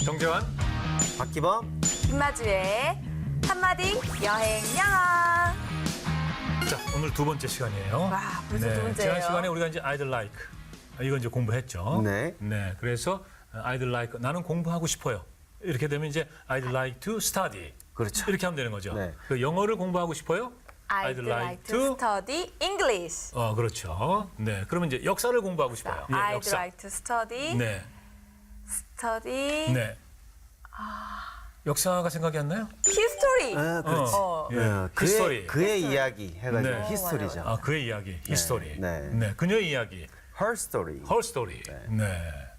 정재환. 박기범. 김마주의 한마디 여행 영어. 자, 오늘 두 번째 시간이에요. 와, 벌써 두 번째예요. 지난 시간에 우리가 이제 I'd like 이거 이제 공부했죠. 네. 네. 그래서 I'd like 나는 공부하고 싶어요. 이렇게 되면 이제 I'd like to study. 그렇죠. 이렇게 하면 되는 거죠. 네. 그 영어를 공부하고 싶어요? I'd like to study English. 그렇죠. 네. 그러면 이제 역사를 공부하고 싶어요. 예, I'd 역사. like to study 네. study 역사가 생각이 안 나요? history. 아, 그렇지. 예. 그의, 히스토리. 그의 이야기 해가지고 네. 히스토리죠. 아, 그의 이야기, 히스토리. 네. 그녀의 이야기, Her story. her story. 네.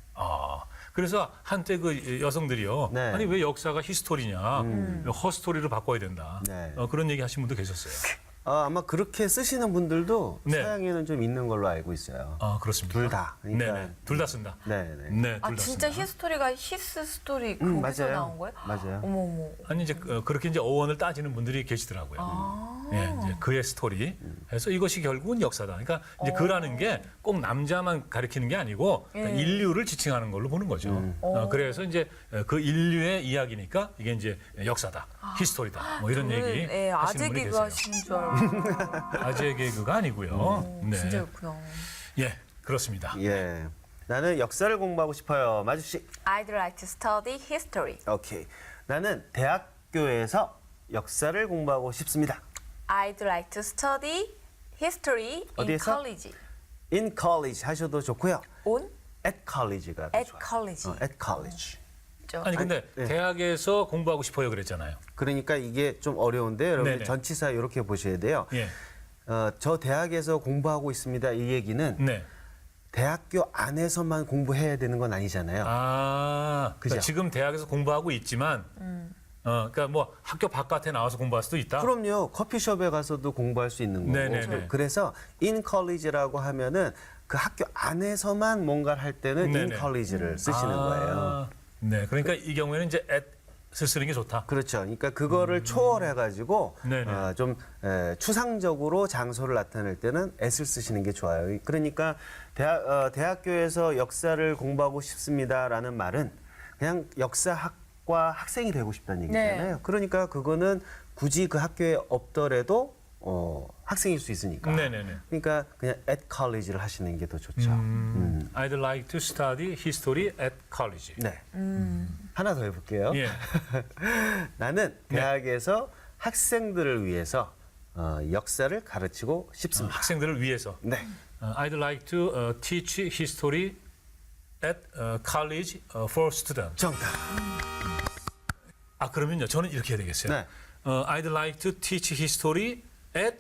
그래서 한때 그 여성들이요. 네. 아니 왜 역사가 히스토리냐? 허스토리로 바꿔야 된다. 네. 그런 얘기 하신 분도 계셨어요. 아마 그렇게 쓰시는 분들도 네. 서양에는 좀 있는 걸로 알고 있어요. 그렇습니다. 둘 다. 그러니까- 네네. 둘 다 쓴다. 네. 네, 둘 다 진짜 쓴다. 히스토리가 히스 스토리 거기서 맞아요. 나온 거예요? 맞아요. 어머. 아니 이제 그렇게 이제 어원을 따지는 분들이 계시더라고요. 예, 이제 그의 스토리. 해서 이것이 결국은 역사다. 그러니까 이제 그라는 게 꼭 남자만 가리키는 게 아니고 그러니까 인류를 지칭하는 걸로 보는 거죠. 그래서 이제 그 인류의 이야기니까 이게 이제 역사다, 히스토리다, 뭐 이런 얘기 네, 하시는 아재 분이 개그 계세요. 하시는 줄 알고. 아재 개그가 아니고요. 네, 진짜였구나. 예, 그렇습니다. 예. 나는 역사를 공부하고 싶어요. 마주씨. I'd like to study history. 오케이. 나는 대학교에서 역사를 공부하고 싶습니다. I'd like to study history in 어디에서? college. In college 하셔도 좋고요. On? At college가 더 At 좋아요. college. at college. 아니 근데 네. 대학에서 공부하고 싶어요 그랬잖아요. 그러니까 이게 좀 어려운데 여러분 네네. 전치사 이렇게 보셔야 돼요. 예, 저 대학에서 공부하고 있습니다. 이 얘기는 네. 대학교 안에서만 공부해야 되는 건 아니잖아요. 그러니까 그죠? 지금 대학에서 공부하고 있지만, 그러니까 뭐 학교 바깥에 나와서 공부할 수도 있다. 그럼요. 커피숍에 가서도 공부할 수 있는 거고. 네네네. 그래서 in college라고 하면은 그 학교 안에서만 뭔가를 할 때는 in 네네. college를 쓰시는 거예요. 네, 그러니까 이 경우에는 이제 at을 쓰는 게 좋다. 그렇죠. 그러니까 그거를 초월해가지고 네네. 좀 추상적으로 장소를 나타낼 때는 at을 쓰시는 게 좋아요. 그러니까 대학교에서 역사를 공부하고 싶습니다라는 말은 그냥 역사학과 학생이 되고 싶다는 얘기잖아요. 네. 그러니까 그거는 굳이 그 학교에 없더라도 학생일 수 있으니까. 네네네. 그러니까 그냥 at college를 하시는 게 더 좋죠. I'd like to study history at college. 네. 하나 더 해볼게요. 예. 나는 대학에서 학생들을 위해서 역사를 가르치고 싶습니다. 학생들을 위해서. 네. I'd like to teach history at college for students. 정답. 그러면요, 저는 이렇게 해야 되겠어요. 네. I'd like to teach history at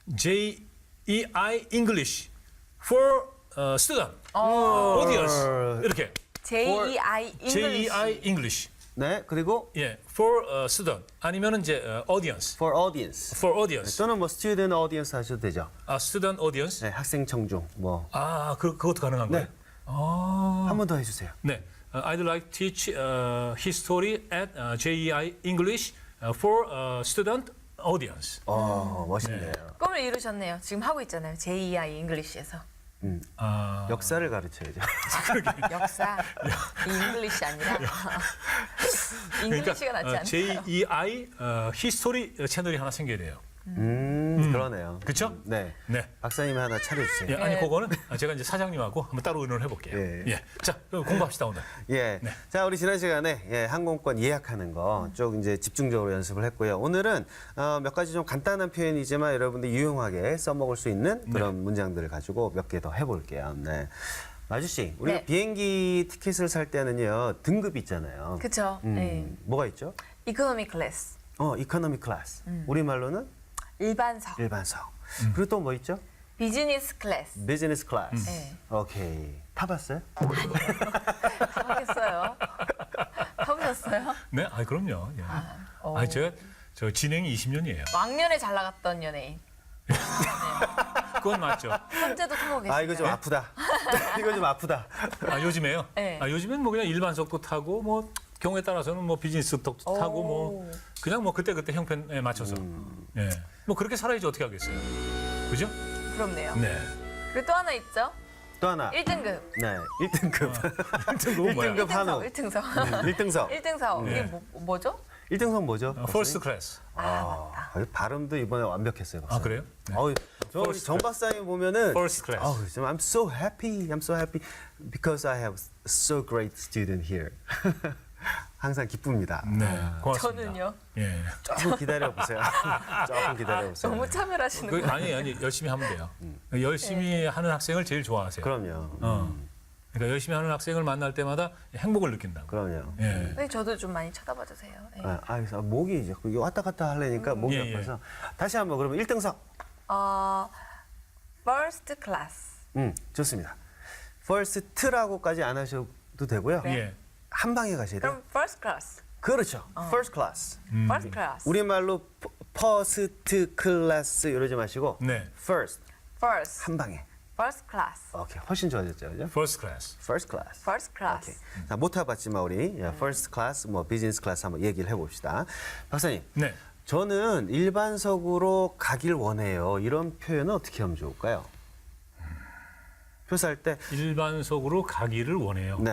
JEI English for student audience. 이렇게 JEI English. JEI English. 네. 그리고 예, for student 아니면은 이제 audience. for audience. For audience. 또는 뭐 student audience 하셔도 되죠. student audience. 네, 학생 청중 뭐. 그것도 가능한 거예요? 네. 한 번 더 해주세요. 네. I'd like to teach history at JEI English for student audience. 멋있네요. 꿈을 이루셨네요. 지금 하고 있잖아요. JEI English에서. 역사를 가르쳐야죠. 역사. 이 잉글리시 아니라 잉글리시가 낫지 않나요? JEI 히스토리 채널이 하나 생겨야 돼요. 그러네요. 그렇죠? 네. 네. 박사님이 하나 차려주세요. 예, 아니 그거는 제가 이제 사장님하고 한번 따로 의논을 해볼게요. 예. 예. 자, 그럼 공부합시다 오늘. 예. 네. 자, 우리 지난 시간에 항공권 예약하는 거 쭉 이제 집중적으로 연습을 했고요. 오늘은 몇 가지 좀 간단한 표현이지만 여러분들 유용하게 써먹을 수 있는 그런 문장들을 가지고 몇 개 더 해볼게요. 네. 마주 씨, 우리가 네. 비행기 티켓을 살 때는요 등급이 있잖아요. 그렇죠. 네. 뭐가 있죠? 이코노미 클래스. 이코노미 클래스. 우리 말로는 일반석. 일반석. 그리고 또 뭐 있죠? 비즈니스 클래스. 비즈니스 클래스. 네. 오케이. 타봤어요? 타보겠어요. 타보셨어요? 네, 그럼요. 예. 제가 저 진행이 20년이에요. 왕년에 잘 나갔던 연예인. 그건 맞죠. 현재도 타고 계시나요? 이거 좀 아프다. 이거 좀 아프다. 요즘에요? 네. 요즘엔 뭐 그냥 일반석도 타고 뭐 경우에 따라서는 뭐 비즈니스도 타고 뭐 그냥 뭐 그때 형편에 맞춰서 예. 뭐 그렇게 살아야지 어떻게 하겠어요. 그죠? 부럽네요. 네. 그리고 또 하나 있죠. 또 하나. 1등급. 네, 1등급. 1등급은 뭐야? 1등급 한우. 1등석. 1등석. 1등석. 네. 이게 뭐죠? 1등석 뭐죠? 퍼스트 클래스. 발음도 이번에 완벽했어요. 아, 박사님. 그래요? 네. 저정 박사님 보면은 First class. I'm so happy. I'm so happy because I have so great student here. 항상 기쁩니다. 네, 고맙습니다. 저는요. 예. 조금 기다려 보세요. 조금 기다려 보세요. 너무 차별하시는 거예요. 아니 열심히 하면 돼요. 열심히 하는 학생을 제일 좋아하세요. 그럼요. 그러니까 열심히 하는 학생을 만날 때마다 행복을 느낀다고. 그럼요. 예. 네, 저도 좀 많이 쳐다봐 주세요. 네. 그래서 목이 이제 왔다 갔다 하려니까 목이 예, 예. 아파서 다시 한번 그러면 1등석. First class. 좋습니다. first라고까지 안 하셔도 되고요. 예. 한 방에 가셔야 돼요. 그럼 first class. 그렇죠. first class. First class. 우리말로 first class 이러지 마시고 네. first First. 한 방에. First class. 오케이. 훨씬 좋아졌죠. 그죠? First class. first class. First class. 오케이. 자, 못 해봤지만 우리 first class, 뭐 business class 한번 얘기를 해봅시다. 박사님, 네. 저는 일반석으로 가길 원해요. 이런 표현은 어떻게 하면 좋을까요? 표사할 때, 일반석으로 가기를 원해요. 네,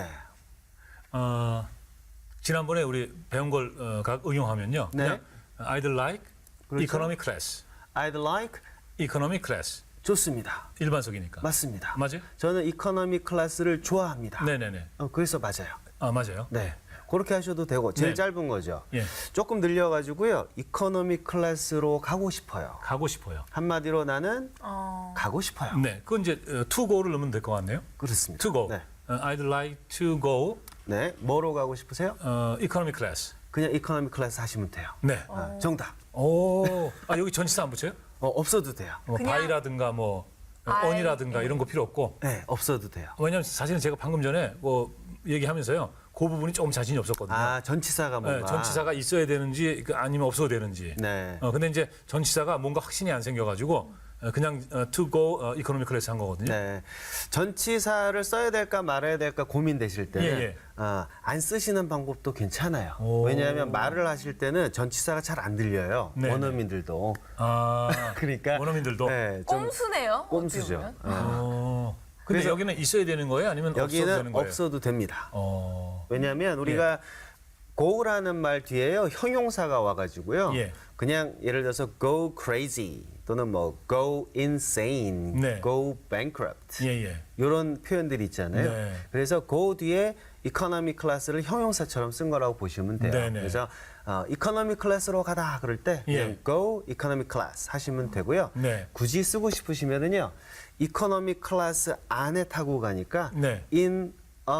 지난번에 우리 배운 걸 응용하면요. 네. 그냥 I'd like 그렇죠. economy class. I'd like economy class. 좋습니다. 일반석이니까. 맞습니다. 맞아요? 저는 이코노미 클래스를 좋아합니다. 네네네. 그래서 맞아요. 아 맞아요. 네. 그렇게 하셔도 되고 제일 네. 짧은 거죠. 예. 조금 늘려가지고요. 이코노미 클래스로 가고 싶어요. 가고 싶어요. 한마디로 나는 가고 싶어요. 네. 그건 이제 to go를 넣으면 될 것 같네요. 그렇습니다. To go. 네. I'd like to go 네. 뭐로 가고 싶으세요? economy class. 그냥 이코노미 클래스 하시면 돼요. 네. 정답. 오. 여기 전치사 안 붙여요? 없어도 돼요. 뭐 그냥 by라든가 뭐 I, on이라든가 이런 거 필요 없고. 네, 없어도 돼요. 왜냐하면 사실은 제가 방금 전에 뭐 얘기하면서요. 그 부분이 조금 자신이 없었거든요. 전치사가 뭔가. 네, 전치사가 있어야 되는지 아니면 없어도 되는지. 네. 근데 이제 전치사가 뭔가 확신이 안 생겨가지고 그냥 to go economy class 한 거거든요. 네. 전치사를 써야 될까 말아야 될까 고민되실 때는 예, 예. 안 쓰시는 방법도 괜찮아요. 오. 왜냐하면 말을 하실 때는 전치사가 잘 안 들려요. 네, 원어민들도. 아, 그러니까 원어민들도. 네, 좀 꼼수네요. 어떻게 꼼수죠. 보면. 근데 그래서 여기는 있어야 되는 거예요? 아니면 없어도 되는 여기는 거예요? 없어도 됩니다. 어, 왜냐하면 우리가 go라는 말 뒤에요 형용사가 와가지고요. 예. 그냥 예를 들어서 go crazy 또는 뭐 go insane, 네. go bankrupt 예. 이런 표현들이 있잖아요. 네. 그래서 go 뒤에 economy class를 형용사처럼 쓴 거라고 보시면 돼요. 네네. 그래서 economy class로 가다 그럴 때 그냥 예. go economy class 하시면 되고요. 네. 굳이 쓰고 싶으시면은요 economy class 안에 타고 가니까 네. in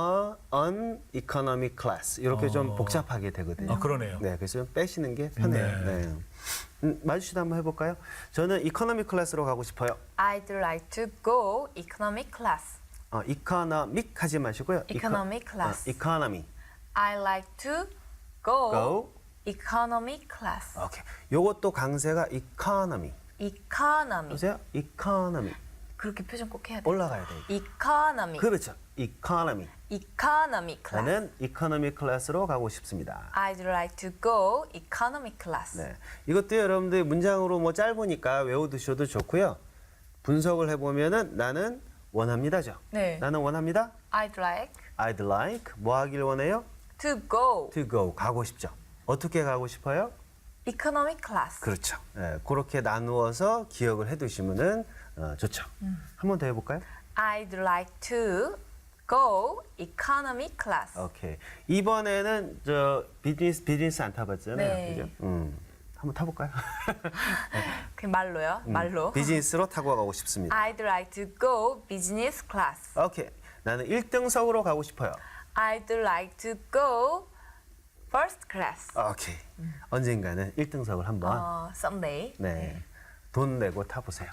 an economy class 이렇게 좀 복잡하게 되거든요. 아, 그러네요. 네, 그래서 좀 빼시는 게 편해요. 네. 네. 마주씨도 한번 해볼까요? 저는 economy class로 가고 싶어요. I'd like to go economy class. economic 하지 마시고요. Economy class. economy. I like to go, go. economy class. 오케이. 요것도 강세가 economy. economy. 보세요. economy. 그렇게 표정 꼭 해야 돼요. 올라가야 돼요. economy. 그렇죠. economy. economy class. 저는 economy class로 가고 싶습니다. I'd like to go economy class. 네. 이것도 여러분들 문장으로 뭐 짧으니까 외워두셔도 좋고요. 분석을 해보면은 나는 원합니다죠. 네. 나는 원합니다. I'd like I'd like 뭐 하길 원해요? to go To go 가고 싶죠. 어떻게 가고 싶어요? economy class. 그렇죠. 네, 그렇게 나누어서 기억을 해두시면은 좋죠. 한 번 더 해볼까요? I'd like to go economy class. 오케이. 이번에는 저 비즈니스 안 타봤잖아요. 네. 그죠? 한번 타볼까요? 그 말로요. 말로. 비즈니스로 타고 가고 싶습니다. I'd like to go business class. 오케이. 나는 1등석으로 가고 싶어요. I'd like to go first class. 오케이. 언젠가는 1등석을 한번 someday. 네. 돈 내고 타보세요.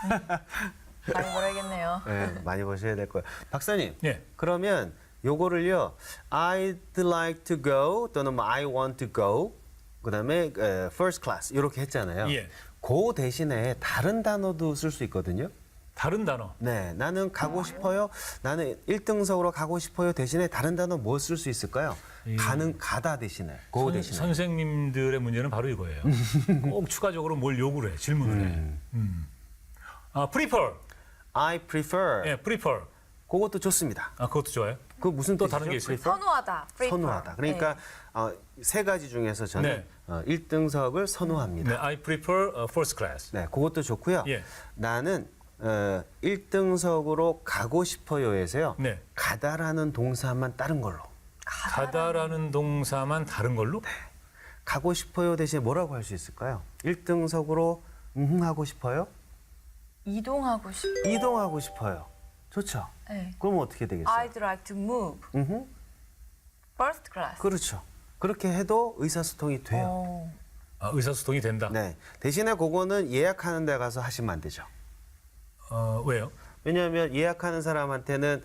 많이 벌어야겠네요. 네, 많이 보셔야 될 거예요. 박사님. 예. 그러면 요거를요. I'd like to go 또는 뭐 I want to go 그다음에 first class 이렇게 했잖아요. 예. 그 대신에 다른 단어도 쓸 수 있거든요. 다른 단어. 네, 나는 가고 싶어요. 나는 1등석으로 가고 싶어요. 대신에 다른 단어 뭐 쓸 수 있을까요? 가다 대신에, go 대신에. 선생님들의 문제는 바로 이거예요. 꼭 추가적으로 뭘 요구를 해, 질문을 해. prefer. I prefer. 예, prefer. 그것도 좋습니다. 아, 그것도 좋아요. 그 무슨 또 뜻이죠? 다른 게 있어요? prefer? 선호하다. prefer. 선호하다. 그러니까 세 가지 중에서 저는 네. 1등석을 선호합니다. 네, I prefer first class. 네, 그것도 좋고요. 예. 나는 1등석으로 가고 싶어요에서요. 네. 가다라는 동사만 다른 걸로. 가다라는 동사만 다른 걸로? 가고 싶어요 대신에 뭐라고 할 수 있을까요? 1등석으로 하고 싶어요? 이동하고 싶. 이동하고 싶어요. 좋죠. 네. 그럼 어떻게 되겠어요? I'd like to move. First class. 그렇죠. 그렇게 해도 의사소통이 돼요. 어. 아, 의사소통이 된다. 네. 대신에 그거는 예약하는 데 가서 하시면 안 되죠. 왜요? 왜냐하면 예약하는 사람한테는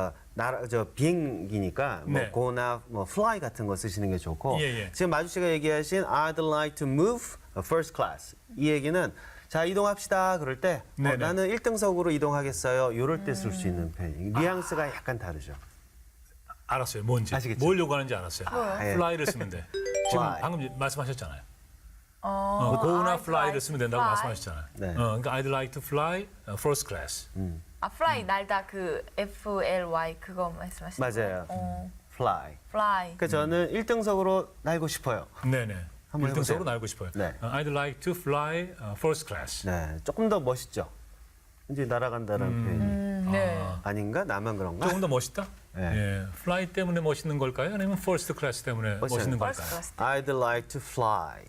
비행기니까 뭐 네. go나 뭐 fly 같은 거 쓰시는 게 좋고 예, 예. 지금 마주 씨가 얘기하신 I'd like to move first class 이 얘기는 자 이동합시다 그럴 때 네네. 나는 1등석으로 이동하겠어요 이럴 때 쓸 수 있는 표현 뉘앙스가 약간 다르죠. 알았어요. 뭔지. 아시겠죠? 뭘 요구하는지 알았어요. 예. fly를 쓰면 돼. 지금 Fly. 방금 말씀하셨잖아요. 어, go나 I'd fly를 like 쓰면 된다고 fly. 말씀하셨잖아요. 네. 그러니까 I'd like to fly first class. fly 날다 그 FLY 그거 말씀하시는 맞아요. 거예요? fly. fly. 그러니까 저는 1등석으로 날고 싶어요. 네네. 한번 1등석으로 해보세요. 날고 싶어요. 네. I'd like to fly first class. 네, 조금 더 멋있죠. 이제 날아간다는 표현이 네. 아닌가? 나만 그런가? 조금 더 멋있다? 네. 예. fly 때문에 멋있는 걸까요? 아니면 first class 때문에 멋있는 First 걸까요? class. I'd like to fly.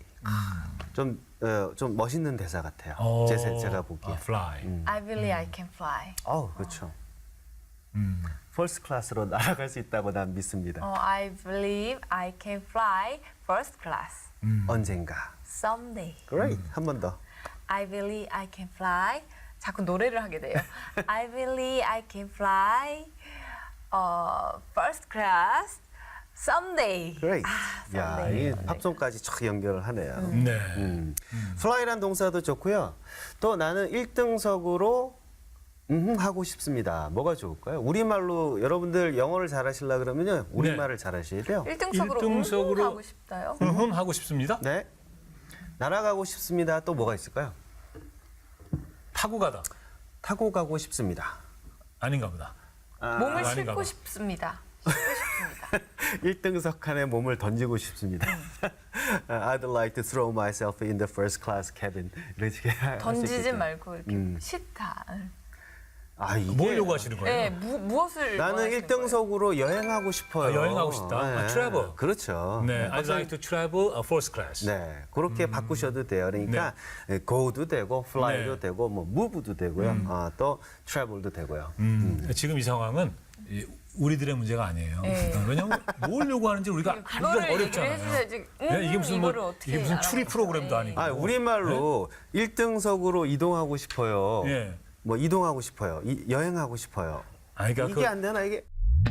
좀 멋있는 대사 같아요. 제가 보기에. fly. I believe I can fly. 그렇죠. First class로 날아갈 수 있다고 난 믿습니다. I believe I can fly first class. 언젠가. Someday. Great. 한 번 더. I believe I can fly. 자꾸 노래를 하게 돼요. I believe I can fly first class someday. Great. 야, someday. 이 팝송까지 촥 연결을 하네요. 네. fly란 동사도 좋고요. 또 나는 1등석으로 하고 싶습니다. 뭐가 좋을까요? 우리말로 여러분들 영어를 잘하시려 그러면요. 우리말을 잘하셔야 돼요. 1등석으로 일등석으로 하고 싶다요? 하고 싶습니다. 네. 날아가고 싶습니다. 또 뭐가 있을까요? 타고 가다. 타고 가고 싶습니다. 아닌가 보다. 몸을 아닌가 싣고 봐. 싶습니다. 싣고 싶습니다. 1등석 칸에 몸을 던지고 싶습니다. I'd like to throw myself in the first class cabin. 이렇게 할수 던지지 있겠죠. 말고 이렇게 싫다. 이게 뭘 요구하시는 거예요? 네, 무엇을 나는 원하시는 1등석으로 여행하고 싶어요. 여행하고 싶다. travel. 그렇죠. 네, I'd like to travel first class. 네, 그렇게 바꾸셔도 돼요. 그러니까 go도 되고, fly도 네. 되고, 뭐 move도 되고요. 또 travel도 되고요. 지금 이 상황은 우리들의 문제가 아니에요. 네. 왜냐하면 뭘 요구하는지 우리가 알기가 그거를 얘기를 어렵잖아요. 해주셔야지. 네, 이게 무슨 뭐 이거를 어떻게 이게 무슨 알아요? 추리 프로그램도 아니고. 우리말로 1등석으로 이동하고 싶어요. 예. 뭐 이동하고 싶어요. 여행하고 싶어요. 그러니까 이게 안 되나 이게?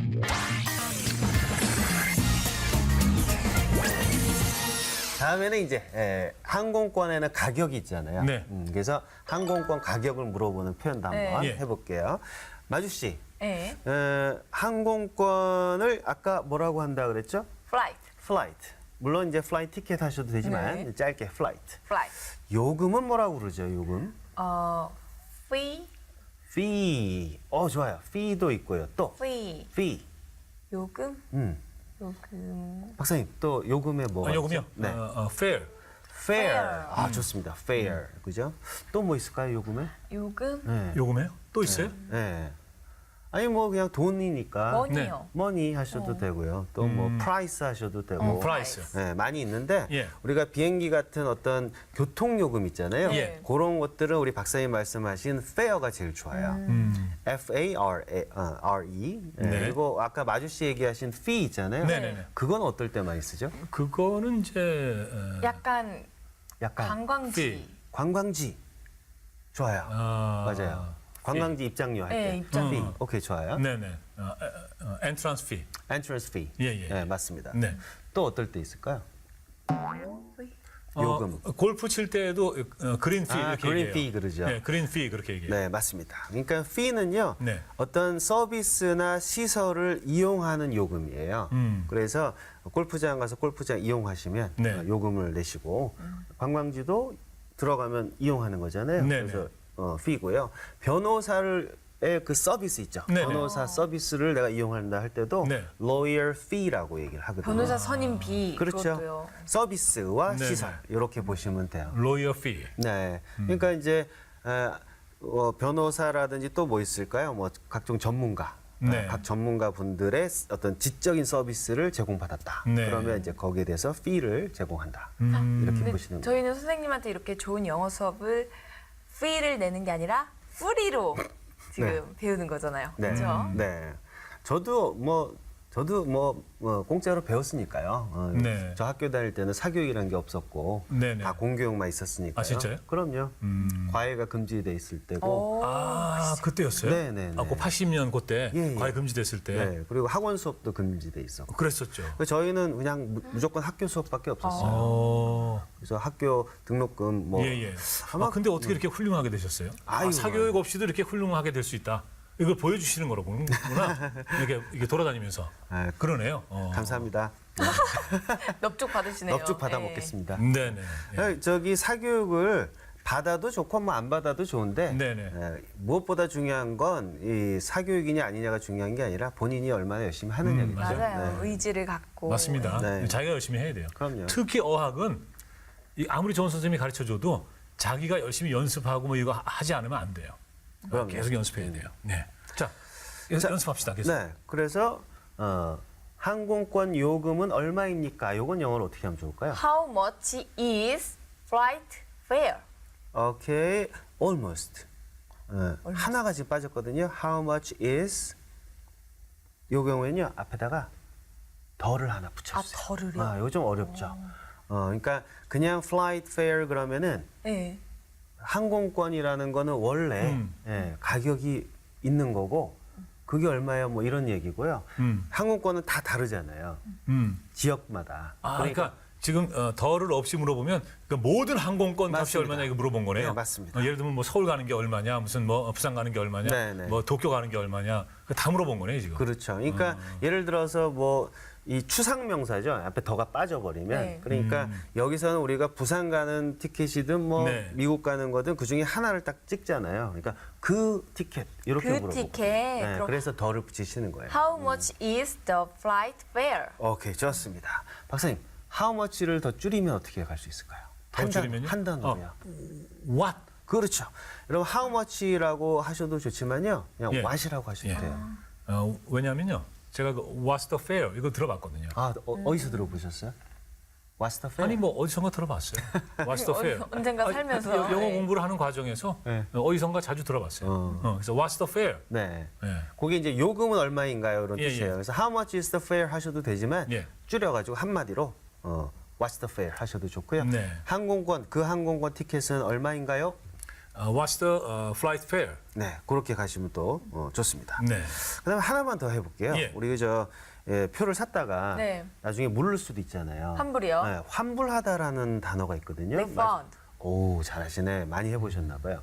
다음에는 이제 항공권에는 가격이 있잖아요. 네. 그래서 항공권 가격을 물어보는 표현도 한번 예. 해볼게요. 마주 씨, 네. 항공권을 아까 뭐라고 한다 그랬죠? flight, flight. 물론 이제 플라이 티켓 하셔도 되지만 네. 짧게 flight. flight. 요금은 뭐라고 그러죠? 요금? fee, fee. 좋아요. fee도 있고요. 또 fee. fee. 요금, 음. 요금. 박사님 또 요금에 뭐가 요금요? 있죠? 네. fair. fair. 좋습니다. fair. 그죠? 또 뭐 있을까요, 요금에? 요금, 네. 요금에요? 또 있어요? 네. 아니 뭐 그냥 돈이니까 money요. money 하셔도 되고요. 또 뭐 price 하셔도 되고. price. 네, 많이 있는데 예. 우리가 비행기 같은 어떤 교통 요금 있잖아요. 예. 그런 것들은 우리 박사님 말씀하신 fare가 제일 좋아요. F-A-R-E. 네. 그리고 아까 마주 씨 얘기하신 fee 있잖아요. 네네네. 그건 어떨 때 많이 쓰죠? 그거는 이제 약간 약간 관광지. fee. 관광지. 좋아요. 아, 맞아요. 관광지 입장료 할 네, 때. 입장료. fee. 오케이, 좋아요. 네네. entrance fee. entrance fee. 예, 예. 네, 맞습니다. 네. 또 어떨 때 있을까요? 요금. 골프 칠 때에도 그린 피 이렇게 그린 얘기해요. fee 그러죠. 네, 그린 피 그렇게 얘기해요. 네, 맞습니다. 그러니까 fee는요. 네. 어떤 서비스나 시설을 이용하는 요금이에요. 그래서 골프장 가서 골프장 이용하시면 네. 요금을 내시고 관광지도 들어가면 이용하는 거잖아요. 네, 그래서 fee고요. 변호사를 그 서비스 있죠. 네네. 변호사 서비스를 내가 이용한다 할 때도 네. lawyer fee라고 얘기를 하거든요. 변호사 선임비 그렇죠. 그것도요. 서비스와 네네. 시설 이렇게 보시면 돼요. 로이어 피. 네. 그러니까 이제 변호사라든지 또 뭐 있을까요? 뭐 각종 전문가. 네. 각 전문가 분들의 어떤 지적인 서비스를 제공받았다. 네. 그러면 이제 거기에 대해서 fee를 제공한다. 음. 이렇게 근데 보시는 거예요. 저희는 선생님한테 이렇게 좋은 영어 수업을 fee를 내는 게 아니라 프리로 지금 배우는 거잖아요. 네. 그렇죠? 네. 저도 뭐 공짜로 배웠으니까요. 네. 저 학교 다닐 때는 사교육이라는 게 없었고 네네. 다 공교육만 있었으니까요. 아, 진짜요? 그럼요. 과외가 금지돼 있을 때고. 오, 아, 그때였어요? 네네네. 아, 그 80년 그때 예, 예. 과외 금지됐을 때 네. 그리고 학원 수업도 금지돼 있었고. 그랬었죠. 그래서 저희는 그냥 무조건 학교 수업밖에 없었어요. 어. 그래서 학교 등록금 뭐 예, 예. 아마 아, 근데 어떻게 이렇게 훌륭하게 되셨어요? 아이고. 사교육 없이도 이렇게 훌륭하게 될 수 있다. 이걸 보여주시는 거로구나. 이게 돌아다니면서. 아, 그러네요. 감사합니다. 넙죽 받으시네요. 넙죽 받아 예. 먹겠습니다. 네네. 예. 저기 사교육을 받아도 좋고 뭐 안 받아도 좋은데 네네. 무엇보다 중요한 건 이 사교육이냐 아니냐가 중요한 게 아니라 본인이 얼마나 열심히 하느냐겠죠. 맞아요. 의지를 갖고. 맞습니다. 네. 자기가 열심히 해야 돼요. 그럼요. 특히 어학은 아무리 좋은 선생님이 가르쳐줘도 자기가 열심히 연습하고 뭐 이거 하지 않으면 안 돼요. 그럼요. 계속 연습해야 돼요. 네. 자, 연습합시다. 계속. 네, 그래서 항공권 요금은 얼마입니까? 요건 영어로 어떻게 하면 좋을까요? How much is flight fare? 오케이, almost. 하나가 지금 빠졌거든요. How much is? 요 경우에는요 앞에다가 덜을 하나 붙여주세요. 아, 덜을요? 이거 좀 어렵죠. 그러니까 그냥 flight fare 그러면은 네. 항공권이라는 거는 원래 가격이 있는 거고 그게 얼마예요? 뭐 이런 얘기고요. 항공권은 다 다르잖아요. 지역마다. 아, 그러니까 지금 덜을 없이 물어보면 그 모든 항공권 값이 맞습니다. 얼마냐 이거 물어본 거네요. 네, 맞습니다. 예를 들면 뭐 서울 가는 게 얼마냐, 무슨 뭐 부산 가는 게 얼마냐, 네, 네. 뭐 도쿄 가는 게 얼마냐, 그거 다 물어본 거네요 지금. 그렇죠. 그러니까 예를 들어서 뭐 이 추상 명사죠. 앞에 더가 빠져버리면 네. 그러니까 여기서는 우리가 부산 가는 티켓이든 뭐 네. 미국 가는 거든 그 중에 하나를 딱 찍잖아요. 그러니까 그 티켓 이렇게 그 물어보고. 티켓. 네, 그럼 그래서 더를 붙이시는 거예요. How much is the flight fare? 오케이, 좋습니다. 박사님, how much를 더 줄이면 어떻게 갈 수 있을까요? 더 줄이면요? 한 단어로요. What? 그렇죠. 여러분 how much라고 하셔도 좋지만요. 그냥 예. what이라고 하셔도 예. 돼요. 왜냐면요, 제가 그 What's the fare 이거 들어봤거든요. 어디서 들어보셨어요? What's the fare? 아니 뭐 어디선가 들어봤어요. What's the fare? 언젠가 살면서. 영어 네. 공부를 하는 과정에서 네. 어디선가 자주 들어봤어요. 그래서 What's the fare? 네. 예. 그게 이제 요금은 얼마인가요? 이런 예, 뜻이에요. 예. 그래서 how much is the fare 하셔도 되지만 예. 줄여가지고 한마디로 what's the fare 하셔도 좋고요. 네. 항공권, 그 항공권 티켓은 얼마인가요? What's the flight fare? 네, 그렇게 가시면 또 좋습니다. 네. 그다음에 하나만 더 해볼게요. 예. 우리 표를 샀다가 네. 나중에 물을 수도 있잖아요. 환불이요? 네, 환불하다라는 단어가 있거든요. Refund. 오, 잘하시네. 많이 해보셨나 봐요.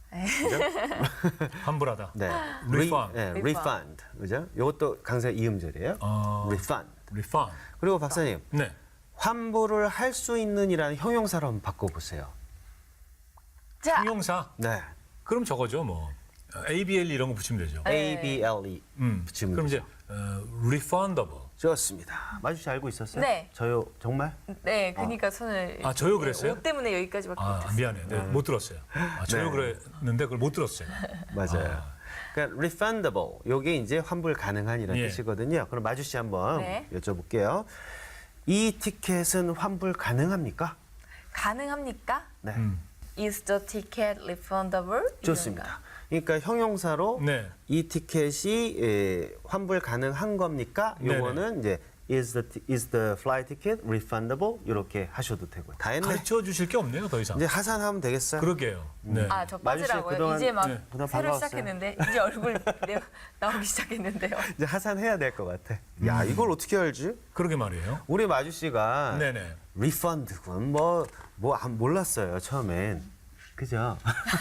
환불하다. 네, Refund. 네, refund, 그죠? 이것도 강세 이음절이에요. refund. Refund. 그리고 박사님, 네. 환불을 할 수 있는이라는 형용사로 한번 바꿔보세요. 자, 형용사. 네, 그럼 저거죠 뭐. ABL 이런 거 붙이면 되죠. ABLE 붙이면 그럼 되죠. 이제 refundable. 좋습니다. 마주씨 알고 있었어요? 네. 저요, 정말? 네, 그러니까 손을. 아, 저요 그랬어요? 옷 때문에 여기까지밖에 아, 못했어요. 미안해요. 네, 못 들었어요. 저요 네. 그랬는데 그걸 못 들었어요. 맞아요. 그러니까 refundable, 요게 이제 환불 가능한이라는 예. 뜻이거든요. 그럼 마주씨 한번 네. 여쭤볼게요. 이 티켓은 환불 가능합니까? 가능합니까? 네, Is the ticket refundable? 좋습니다. 그러니까 형용사로 네. 이 티켓이 환불 가능한 겁니까? 요거는 이제 is the flight ticket refundable 이렇게 하셔도 되고 다 했네. 가르쳐 주실 게 없네요, 더 이상. 이제 하산하면 되겠어요. 그러게요. 네. 아, 저 마주씨 빠지라고요? 그동안- 이제 막 네. 그동안 새로 반가웠어요. 시작했는데 이제 얼굴 나오기 시작했는데요. 이제 하산해야 될 것 같아. 야, 이걸 어떻게 알지? 그러게 말이에요. 우리 마주씨가 네네. refund군 몰랐어요 처음엔. 그죠?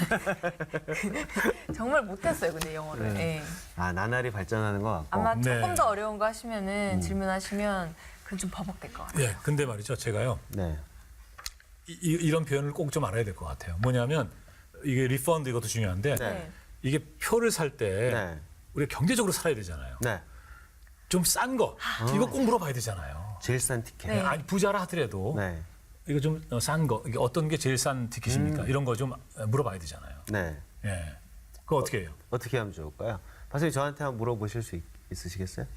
정말 못했어요, 근데 영어를. 네. 예. 아, 나날이 발전하는 것 같고. 아마 네. 조금 더 어려운 거 하시면은 질문하시면 그건 좀 버벅될 것 같아요. 예, 근데 말이죠, 제가요. 네. 이런 표현을 꼭 좀 알아야 될 것 같아요. 뭐냐면 이게 리펀드 이것도 중요한데 네. 이게 표를 살 때 네. 우리가 경제적으로 살아야 되잖아요. 네. 좀 싼 거 이거 꼭 물어봐야 되잖아요. 제일 싼 티켓. 네. 아니 부자라 하더라도 네. 이거 좀 싼 거, 이게 어떤 게 제일 싼 티켓입니까? 이런 거 좀 물어봐야 되잖아요. 네. 예, 그거 어떻게 해요? 어떻게 하면 좋을까요? 박사님 저한테 한번 물어보실 수 있으시겠어요?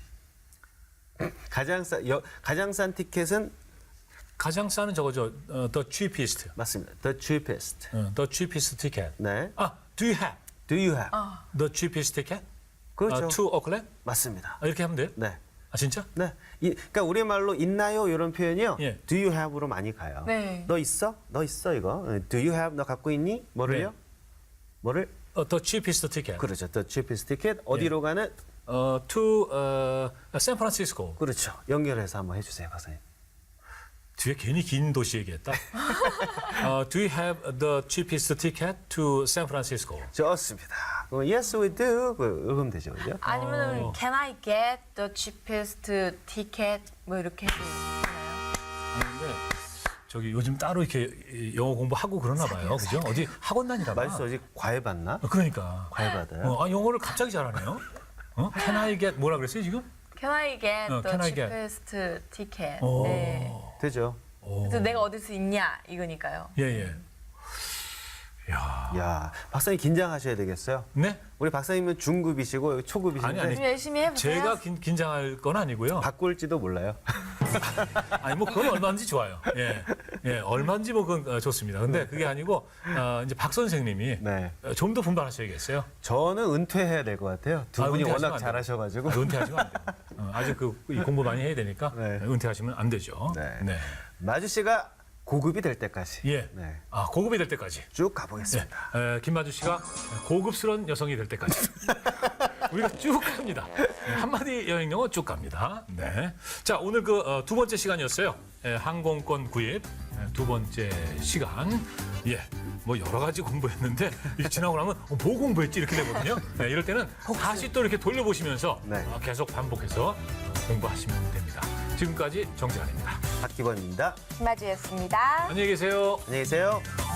가장 싼 티켓은 가장 싼은 저거죠, the cheapest, 맞습니다. The cheapest. the cheapest ticket. 네. 아, do you have Do you have? the cheapest ticket? 그렇죠. to Oakland? 맞습니다. 이렇게 하면 돼요? 네. 아 진짜? 네. 그러니까 우리말로 있나요? 이런 표현이요. 예. Do you have로 많이 가요. 네. 너 있어? 너 있어 이거. Do you have? 너 갖고 있니? 뭐를요? 네. 뭐를? the cheapest ticket. 그렇죠. The cheapest ticket. 어디로 가는? to 샌프란시스코. 그렇죠. 연결해서 한번 해주세요, 박사님. 뒤에 괜히 긴 도시 얘기했다. do you have the cheapest ticket to San Francisco? 좋습니다. 그럼 yes we do. 그러면 되죠, 그죠? 아니면 Can I get the cheapest ticket? 뭐 이렇게 해도 되나요? 근데 저기 요즘 따로 이렇게 영어 공부하고 그러나 봐요. 그죠? 어디 학원 다니나 봐. 말씀 어제 과외 받나? 그러니까. 과외 받아요? 영어를 갑자기 잘하네요. Can I get 뭐라 그랬어요, 지금? Can I get the can I get? cheapest ticket? 오. 네. 되죠. 그래서 내가 얻을 수 있냐 이거니까요. 예, 예. 야. 야, 박사님 긴장하셔야 되겠어요. 네? 우리 박사님은 중급이시고 초급이신데 아니. 좀 열심히 해보세요. 제가 긴장할 건 아니고요. 바꿀지도 몰라요. 아니 뭐 그건 얼마든지 좋아요. 예, 예, 얼마든지 뭐 그건 좋습니다. 근데 그게 아니고 이제 박 선생님이 네. 좀 더 분발하셔야겠어요. 저는 은퇴해야 될 것 같아요. 두 분이 은퇴하시면 워낙 안 돼요. 잘하셔가지고. 은퇴하시면 안 돼요. 아직 이 공부 많이 해야 되니까 네. 은퇴하시면 안 되죠. 네. 마주 씨가 고급이 될 때까지 예. 네. 고급이 될 때까지. 쭉 가보겠습니다. 김마주 씨가 고급스러운 여성이 될 때까지. 우리가 쭉 갑니다. 한마디 여행 영어 쭉 갑니다. 네. 자, 오늘 그 두 번째 시간이었어요. 항공권 구입 두 번째 시간. 예. 뭐 여러 가지 공부했는데 이게 지나고 나면 뭐 공부했지 이렇게 되거든요. 네, 이럴 때는 다시 또 이렇게 돌려보시면서 네. 계속 반복해서 공부하시면 됩니다. 지금까지 정재환입니다. 박기범입니다. 김아주였습니다. 안녕히 계세요. 안녕히 계세요.